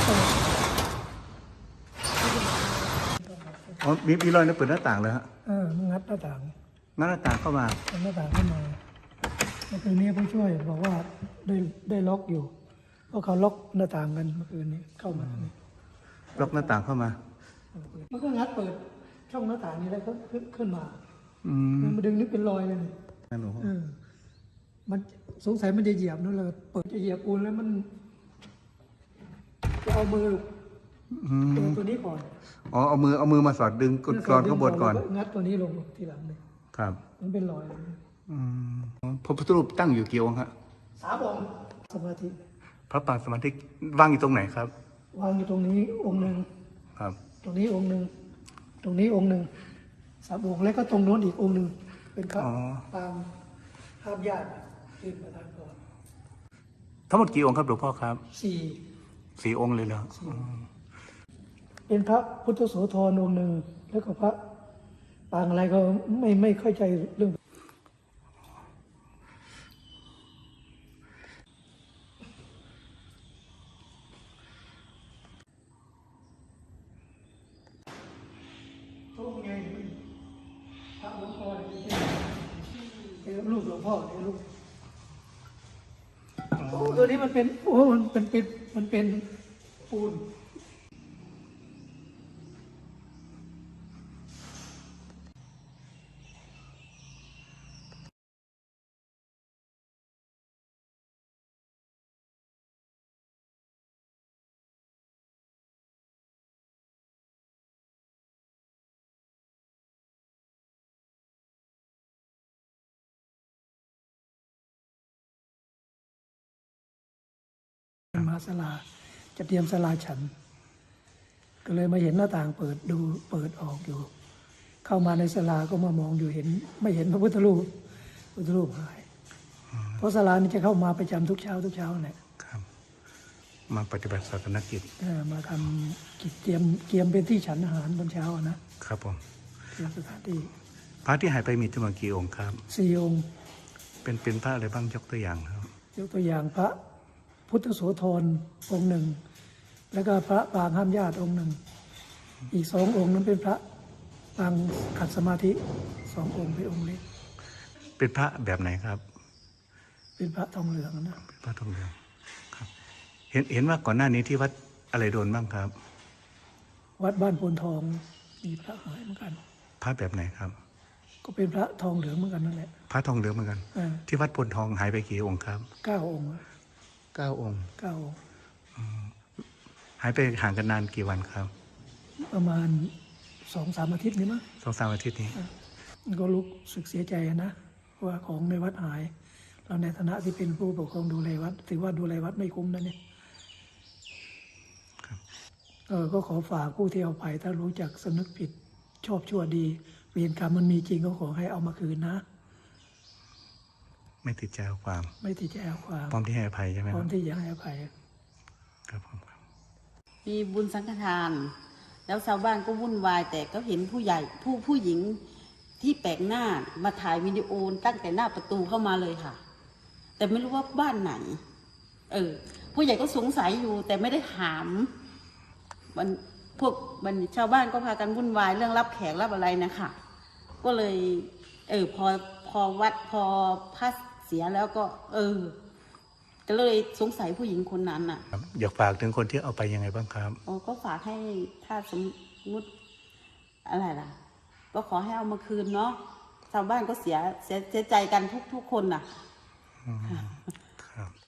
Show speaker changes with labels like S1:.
S1: เปิด
S2: อ๋อมีรอยเปิดหน้าต่างเลยฮะ
S1: งัดหน้าต่าง
S2: งั้นหน้าต่างเข้ามา
S1: หน้าต่างเข้ามาเมื่อคืนนี้ผู้ช่วยบอกว่าได้ล็อกอยู่เพราะเขาล็อกหน้าต่างกันเมื่อคืนนี้เข้ามา
S2: ล็อกหน้าต่างเข้ามา
S1: มันก็งัดเปิดช่องหน้าต่างนี้แล้วก็ขึ้นมามันดึงนึกเป็นรอยเลยมันสงสัยมันจะเหยียบนั่นเลยเปิดจะเหยียบปูนแล้วมันจะเอามือตัวนี้ก่อน
S2: อ๋อเอามือมาสอดดึงกรอนข้างบนก่อน
S1: งัดตัวนี้ลงทีหลังเลย
S2: ครับ
S1: มันเป็นรอย
S2: พระพุทธรูปตั้งอยู่กี่องค์ฮะ
S1: 3 องค์สมาธิ
S2: พระปางสมาธิวางอยู่ตรงไหนครับ
S1: วางอยู่ตรงนี้องค์หนึ่ง
S2: ครับต
S1: รงนี้องค์หนึ่งตรงนี้องค์หนึ่ง3 องค์แล้วก็ตรงโน้นอีกองค์หนึ่งเป็นพระปางห้ามญาติที่ประธานพร
S2: ทั้งหมดกี่องค์ครับหลวงพ่อครับ4 องค์เลยเหรอ
S1: เป็นพระพุทธโสธรองค์หนึ่งแล้วก็พระปางอะไรก็ไม่เข้าใจเรื่องพระหลวงพ่อเนี่ยรูปหลวงพ่อเนี่ยรูปตัวนี้มันเป็นมันเป็นปูนมาศาลาจะเตรียมศาลาฉันก็เลยมาเห็นหน้าต่างเปิดออกอยู่เข้ามาในศาลาก็มามองอยู่ไม่เห็นพระพุทธรูปหายเพราะศาลานี้จะเข้ามาประจำทุกเช้าเนี่ย
S2: ครับมาปฏิบัติศาสนกิจ
S1: มาทำกิจเตรียมเป็นที่ฉันอาหารตอนเช้า
S2: นะครับผม
S1: เตรียมสถานที่
S2: พระที่หายไปมีจำนวนกี่องค์ครับ
S1: 4 องค์
S2: เป็นพระอะไรบ้างยกตัวอย่างครับ
S1: ยกตัวอย่างพระพุทธโสธรองค์หนึ่งแล้วก็พระปางห้ามญาติองค์หนึ่งอีก2 องค์นั้นเป็นพระปางขัดสมาธิ2 องค์เป็นองค์เล็ก
S2: เป็นพระแบบไหนครับ
S1: เป็นพระทองเหลืองนะ
S2: เป็นพระทองเหลืองครับเห็นว่าก่อนหน้านี้ที่วัดอะไรโดนบ้างครับ
S1: วัดบ้านโพนทองมีพระหายเหมือนกัน
S2: พระแบบไหนครับ
S1: ก็เป็นพระทองเหลืองเหมือนกันนั่นแหละ
S2: พระทองเหลืองเหมือนกันที่วัดโพนทองหายไปกี่องค์ครับ
S1: 9 องค์
S2: 9 องค์หายไปห่างกันนานกี่วันครับ
S1: ประมาณ2-3 อาทิตย์นี้มั้ง
S2: 2-3 อาทิตย์นี้
S1: ก็รู้สึกเสียใจนะว่าของในวัดหายเราในฐานะที่เป็นผู้ปกครองดูแลวัดถือว่าดูแลวัดไม่คุ้มนะเนี่ยก็ขอฝากผู้ที่เอาไปถ้ารู้จักสนึกผิดชอบชั่วดีเวรกรรมมันมีจริงก็ขอให้เอามาคืนนะ
S2: ไม่ติดใจเอาความพร้อมที่ให้อภัยใช่ไหม
S1: พร้อมที่จะให้อภัย
S2: ครับผม
S3: มีบุญสังฆทานแล้วชาวบ้านก็วุ่นวายแต่ก็เห็นผู้หญิงที่แปลกหน้ามาถ่ายวิดีโอตั้งแต่หน้าประตูเข้ามาเลยค่ะแต่ไม่รู้ว่าบ้านไหนผู้ใหญ่ก็สงสัยอยู่แต่ไม่ได้ถามมันชาวบ้านก็พากันวุ่นวายเรื่องรับแขกรับอะไรนะคะก็เลยพอพระเสียแล้วก็ก็เลยสงสัยผู้หญิงคนนั้นน่ะ
S2: อยากฝากถึงคนที่เอาไปยังไงบ้างครับ
S3: ก็ฝากให้ถ้าสมมติอะไรล่ะก็ขอให้เอามาคืนเนาะชาวบ้านก็เสียใจกันทุกคนน่ะ